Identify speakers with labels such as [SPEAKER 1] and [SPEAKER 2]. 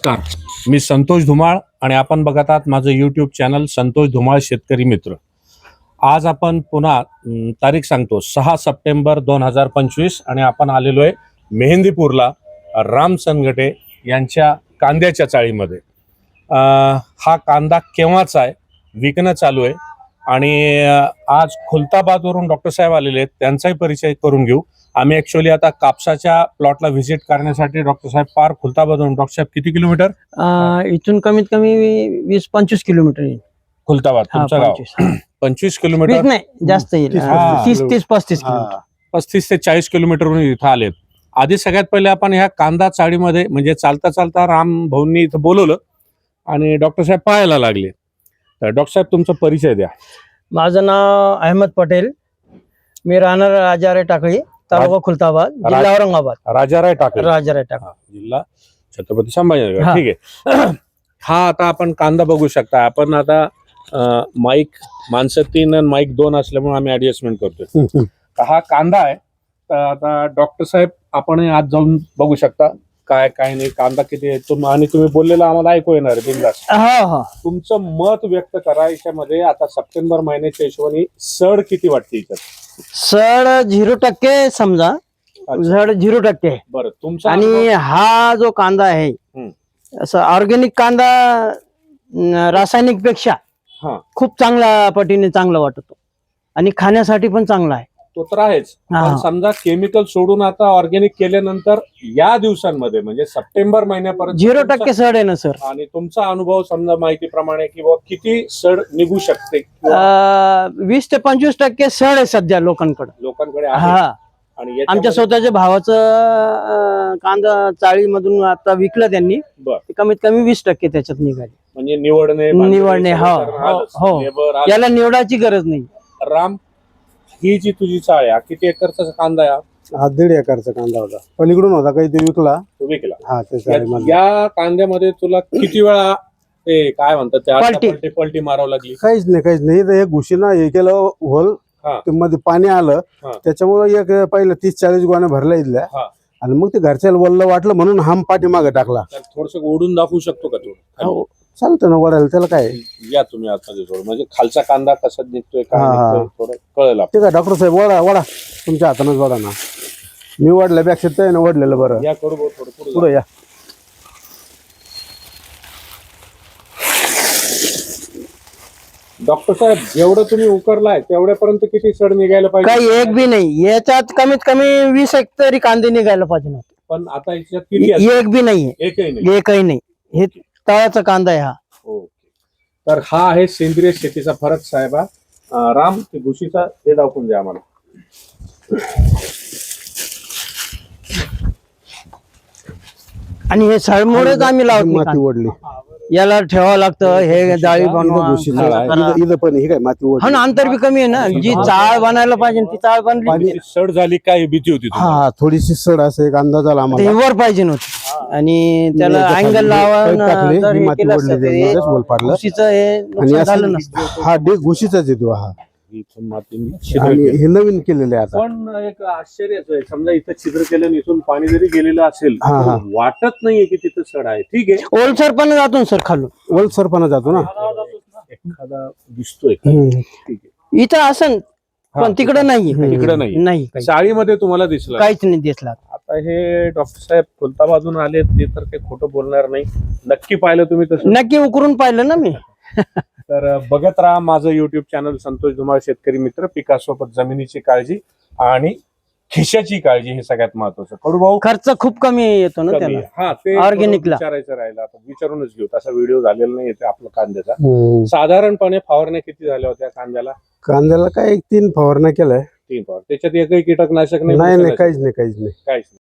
[SPEAKER 1] नमस्कार, मी संतोष धुमाळ आणि आपण बघत आहात माझं यूट्यूब चॅनल संतोष धुमाळ शेतकरी मित्र. आज आपण पुन्हा तारीख सांगतो 6 सप्टेंबर 2025 आणि आपण आलेलो आहे मेहंदीपूरला राम सनगटे यांच्या कांद्याच्या चाळीमध्ये. हा कांदा केव्हाचा आहे, विकणं चालू आहे आणि आज खुलताबादवरून डॉक्टर साहेब आलेले आहेत, त्यांचाही परिचय करून घेऊ. आम्ही ॲक्च्युअली आता कापसाच्या प्लॉटला व्हिजिट करण्यासाठी डॉक्टर साहेब पार खुलताबादवरून. डॉक्टर साहेब किती किलोमीटर?
[SPEAKER 2] इथून कमीत कमी 20-25 किलोमीटर येईल.
[SPEAKER 1] खुलताबाद तुमचं गाव? 25 किलोमीटर
[SPEAKER 2] नाही, जास्त येईल. 30-35 किलोमीटर,
[SPEAKER 1] 35 ते 40 किलोमीटरवरून इथं आलेत. आधी सगळ्यात पहिले आपण ह्या कांदा चाळीमध्ये म्हणजे चालता चालता राम भाऊंनी इथं बोलवलं आणि डॉक्टर साहेब पाहायला लागले. तर डॉक्टर साहेब तुमचा परिचय द्या.
[SPEAKER 2] माझं नाव अहमद पटेल, मी राहणार राजाराय टाकळी, तालुका खुलताबाद, जिल्हा औरंगाबाद.
[SPEAKER 1] राजाराय टाकळी,
[SPEAKER 2] राजाराय टाकळी,
[SPEAKER 1] जिल्हा छत्रपती संभाजीनगर. ठीक आहे. हा आता आपण कांदा बघू शकता. आपण आता माईक माणसं 3 आणि माईक 2 असल्यामुळे आम्ही ऍडजस्टमेंट करतोय. हा कांदा आहे. तर आता डॉक्टर साहेब आपण आज जाऊन बघू शकता काय काय नाही, कांदा किती आहे आणि तुम्ही बोललेलं आम्हाला ऐकू येणार आहे बिंदास. तुमचं मत व्यक्त करा याच्यामध्ये. आता सप्टेंबर महिन्याच्या हिशोबाने सड किती वाटते याच्यात?
[SPEAKER 2] सड 0% समजा, सड 0% आहे.
[SPEAKER 1] बरं, तुमचा
[SPEAKER 2] आणि हा जो कांदा आहे असं ऑर्गॅनिक कांदा रासायनिक पेक्षा खूप चांगल्या पटीने चांगला वाटतो आणि खाण्यासाठी पण चांगला आहे.
[SPEAKER 1] तो तर आहेच. पण समजा केमिकल सोडून आता ऑर्गॅनिक केल्यानंतर या दिवसांमध्ये म्हणजे सप्टेंबर महिन्यापर्यंत
[SPEAKER 2] 0% सड आहे ना सर.
[SPEAKER 1] आणि तुमचा अनुभव समजा माहितीप्रमाणे की किती सड निघू शकते?
[SPEAKER 2] 20 ते 25% सड आहे सध्या लोकांकडे.
[SPEAKER 1] आहे.
[SPEAKER 2] आणि आमच्या स्वतःच्या भावाचं कांदा चाळीमधून आता विकलं त्यांनी. कमीत कमी 20% त्याच्यात निघाली.
[SPEAKER 1] म्हणजे निवडणे
[SPEAKER 2] हो, याला निवडायची गरज नाही.
[SPEAKER 1] राम, ही जी तुझी चाळ आहे किती एकरचा कांदा आहे?
[SPEAKER 3] हा 1.5 एकरचा कांदा होता. पलीकडून होता काही ते विकला.
[SPEAKER 1] या कांद्यामध्ये तुला किती वेळा ते काय म्हणतात पलटी मारावं लागली?
[SPEAKER 3] काहीच नाही. तर एक घुशीना हे केलं होल, मध्ये पाणी आलं त्याच्यामुळे एक पहिले 30-40 गोण्या भरल्या इथल्या आणि मग ते घरच्याला वल्ल वाटलं म्हणून हम पाठीमागे टाकला.
[SPEAKER 1] थोडस ओढून दाखवू शकतो का तू?
[SPEAKER 3] चालतं ना वडायला, त्याला काय.
[SPEAKER 1] या तुम्ही आतमध्ये थोडं, म्हणजे खालचा कांदा कसा निघतोय काय थोडं कळेल.
[SPEAKER 3] ठीक आहे डॉक्टर साहेब, वडा तुमच्या हातानच वडा ना. मी वडल्यापेक्षा ते ना वडलेलं बरं.
[SPEAKER 1] या करू थोडं
[SPEAKER 3] पुढे या.
[SPEAKER 1] डॉक्टर साहेब, जेवढं तुम्ही उकरलाय तेवढ्यापर्यंत किती सड निघायला पाहिजे?
[SPEAKER 2] काही एक बी नाही, याच्यात कमीत कमी 20 तरी कांदे निघायला पाहिजे नव्हते.
[SPEAKER 1] पण आता याच्यात किती?
[SPEAKER 2] एक बी नाहीये. एकही नाही. हे तळाचा कांदा आहे हा.
[SPEAKER 1] तर हा आहे सेंद्रिय शेतीचा फरक साहेबा. राम, ते घुशीचा हे दाखवून द्या आम्हाला.
[SPEAKER 2] आणि हे सळमुळेच आम्ही लावतो.
[SPEAKER 3] माती ओढली,
[SPEAKER 2] याला ठेवावं लागतं. हे जाळी बनवा,
[SPEAKER 3] इथं पण ही काय माती ओढली.
[SPEAKER 2] अंतर बी कमी आहे ना. जी चाळ बनायला पाहिजे ती चाळ बनली.
[SPEAKER 1] सड झाली काय भीती होती?
[SPEAKER 3] हा, थोडीशी सड असं एक अंदाज आला आम्हाला.
[SPEAKER 2] वर पाहिजे नव्हती आणि त्याला अँगल लावून
[SPEAKER 3] हा डेग घुशीचाच येतो. हा हे नवीन केलेलं आहे आता.
[SPEAKER 1] पण एक आश्चर्याचं आहे, समजा इथं छिद्र केलं इथून पाणी जरी गेलेलं असेल वाटत नाहीये की तिथं सड आहे. ठीक आहे,
[SPEAKER 2] ओलसरपणा जातो सर खालून.
[SPEAKER 3] ओलसरपणा जातो ना,
[SPEAKER 1] एखादा दिसतोय. ठीक आहे,
[SPEAKER 2] इथं असं पण तिकडे नाही. नाही
[SPEAKER 1] चाळीमध्ये तुम्हाला दिसलं
[SPEAKER 2] काहीच नाही दिसला.
[SPEAKER 1] आता हे डॉक्टर साहेब खुलताबादून आले, ते तर काही खोटं बोलणार नाही. नक्की पाहिलं तुम्ही तसं?
[SPEAKER 2] नक्की उकरून पाहिलं ना मी.
[SPEAKER 1] तर बघत राहा माझं युट्यूब चॅनल संतोष धुमाळ शेतकरी मित्र. पिकासोबत जमिनीची काळजी आणि खिशाची काळजी हे सगळ्यात महत्वाचं. कडू भाऊ,
[SPEAKER 2] खर्च खूप कमी येतो ना त्याला.
[SPEAKER 1] हा, ते
[SPEAKER 2] ऑर्गॅनिकला
[SPEAKER 1] विचारायचं राहिलं. आता विचारूनच घेऊ. तसा व्हिडिओ झालेला नाही येते आपला कांद्याचा. साधारणपणे फवारण्या किती झाल्या होत्या कांद्याला?
[SPEAKER 3] कांद्याला काय 3 फवारण्या केलाय.
[SPEAKER 1] 3 फवार. त्याच्यात एकही कीटकनाशक नाही?
[SPEAKER 3] काहीच नाही.